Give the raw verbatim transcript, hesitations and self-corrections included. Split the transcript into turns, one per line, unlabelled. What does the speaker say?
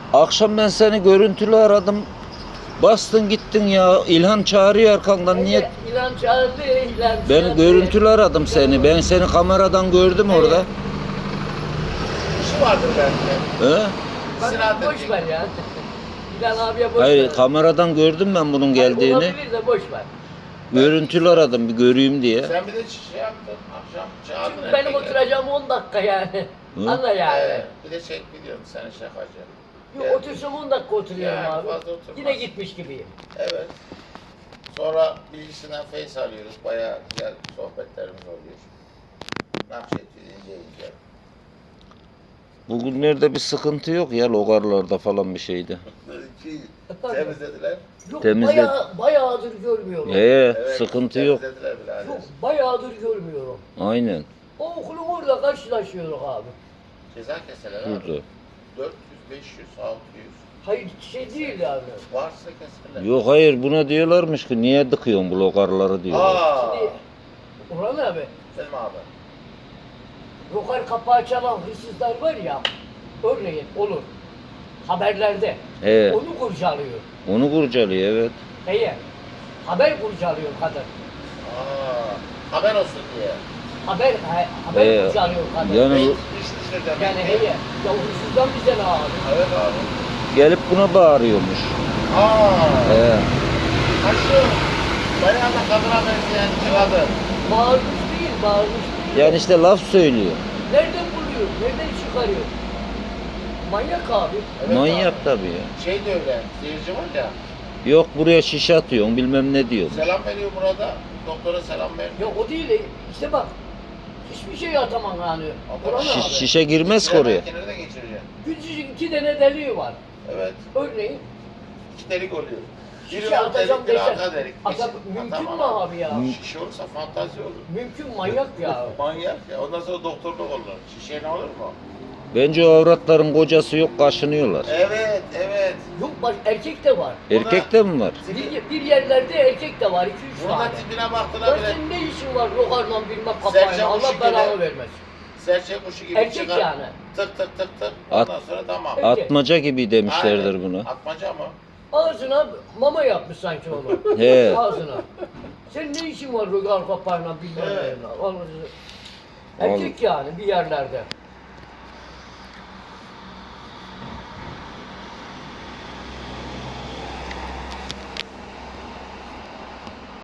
Akşam ben seni görüntülü aradım. Bastın gittin ya. İlhan çağırıyor arkandan. Niye?
İlan çağırdı, İlan çağırdı.
Ben görüntülü aradım seni. Ben seni kameradan gördüm orada.
İşi vardır belki.
He?
Bak, boş ver ya. İlan abiye boş
Hayır,
ver.
kameradan gördüm ben bunun geldiğini.
Olabilir de boş ver.
Görüntülü aradım bir göreyim diye.
Sen bir de şey yaptın, akşam çağırdın.
Çünkü benim
erkekleri.
oturacağım on dakika yani.
Hı?
Anla yani.
Ee, bir de çek biliyorum seni şakacı.
Yok,
Yani-
otursam on dakika oturuyorum
Yani
abi.
fazla oturmaz.
Yine gitmiş gibiyim.
Evet. Sonra bilgisinden face alıyoruz. Bayağı güzel sohbetlerimiz oluyor. Nakşetçi ince ince.
Bugünlerde bir sıkıntı yok ya logarlarda falan bir şeydi.
Ki temizlediler.
Yok,
Temizle-
bayağı, bayağıdır görmüyorum.
Ee,
Evet,
sıkıntı yok.
Temizlediler birader.
Yok, bayağıdır görmüyorum.
Aynen.
O okulun orada karşılaşıyoruz abi.
Ceza keseler abi.
Şurada.
dört yüz, beş yüz, altı yüz.
Hayır şey değil yani.
Varsa keserler.
Yok hayır buna diyorlarmış ki niye dıkıyorsun bu logarları diyorlar.
Aa.
Şimdi Orhan abi,
Selim abi.
rokar kapağı çalan hırsızlar var ya, örneğin olur. Haberlerde.
He,
Onu kurcalıyor.
onu kurcalıyor evet.
Eğer haber kurcalıyor kadın.
Aa. Haber olsun diye.
Haber ha- haber
Ee,
kurcalıyor kadın.
yani-
Bey, iş dışı demek.
Yani heye, ya hırsızdan bize ne abi?
Evet abi.
Gelip buna bağırıyormuş.
Aa.
He.
Ha şu. Bayağı da kadına benzeyen bir kadın.
Bağırmış değil, bağırmış değil.
Yani işte laf söylüyor.
Nereden buluyor, nereden çıkarıyor? Manyak abi.
Evet
Manyak
abi.
tabii ya.
Şey de öyle. Seyirci var ya.
Yok buraya şişe atıyorsun bilmem ne diyor.
Selam veriyor burada. Doktora selam veriyor.
Ya o değil, işte bak. Hiçbir şey atamam yani.
Atamam.
Orhan
Şi-
abi.
şişe girmez ki oraya.
Kenarda geçireceksin.
Küçücük iki tane deliği var.
Evet.
Örneğin
İki delik oluyor. Biri
şişe
ön
atacağım
delik, biri
desen.
arka delik.
Ata,
Kesin
mümkün
atamam
mü abi ya?
Şişe olursa fantazi olur.
Mümkün, manyak ya.
Manyak ya. Ondan sonra doktorluk olur. Şişe ne olur mu?
Bence o avratların kocası yok kaşınıyorlar.
Evet, evet.
Yok bak, erkek de var.
Erkekte mi var?
Bir, bir yerlerde erkek de var, iki üç
Buna
tane.
tipine baktılar
Lan
bile.
senin ne işin var rokarla bilmem
Serçe
kapağıyla, Allah
kuşu
belanı
gibi.
vermez.
Serçe kuşu gibi
Erkek
çıkar.
yani.
Tık tık tık tık.
At-
Ondan sonra tamam.
Erkek.
Atmaca gibi demişlerdir
Aynen.
buna.
Atmaca mı?
Ağzına mama yapmış sanki onu.
He.
Ağzına. Senin ne işin var rokar kapağıyla bilmem
Evet.
neyle. Erkek yani bir yerlerde.